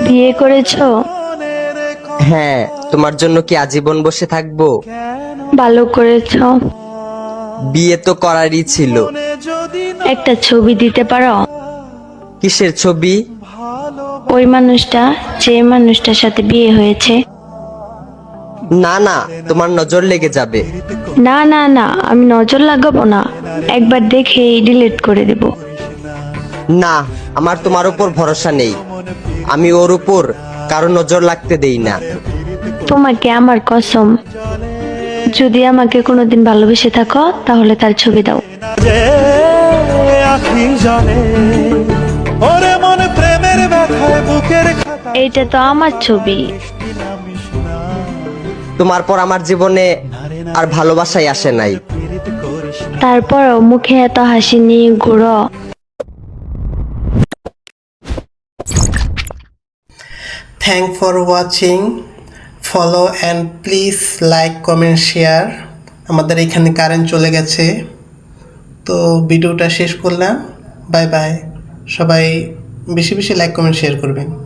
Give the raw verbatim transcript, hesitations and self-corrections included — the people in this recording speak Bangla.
বিয়ে করেছো? হ্যাঁ, তোমার জন্য কি আজীবন বসে থাকবো? ভালো করেছো। বিয়ে তো করারই ছিল। একটা ছবি দিতে পারো? কিসের ছবি? ওই মানুষটা, যে মানুষটার সাথে বিয়ে হয়েছে। না না, তোমার নজর লেগে যাবে। না না না, আমি নজর লাগাবো না, একবার দেখেই ডিলিট করে দেব। না, আমার তোমার উপর ভরসা নেই। আমি ওর উপর কারো নজর লাগতে দেই না। তোমাকে আমার কসম, যদি আমাকে কোনোদিন ভালোবেসে থাকো তাহলে তার ছবি দাও। যে আখি জলে ওরে মন প্রেমের ব্যথায় বুকের খাতা এইটা তো আমার ছবি। তোমার পর আমার জীবনে আর ভালোবাসাই আসে নাই। তারপরও মুখে এত হাসি নিয়ে ঘুরো। Thank for watching. Follow and please like, comment, share. আমাদের এখানে কারেন্ট চলে গেছে, তো ভিডিওটা শেষ করলাম। Bye bye. সবাই বেশি বেশি লাইক, কমেন্ট, শেয়ার করবেন।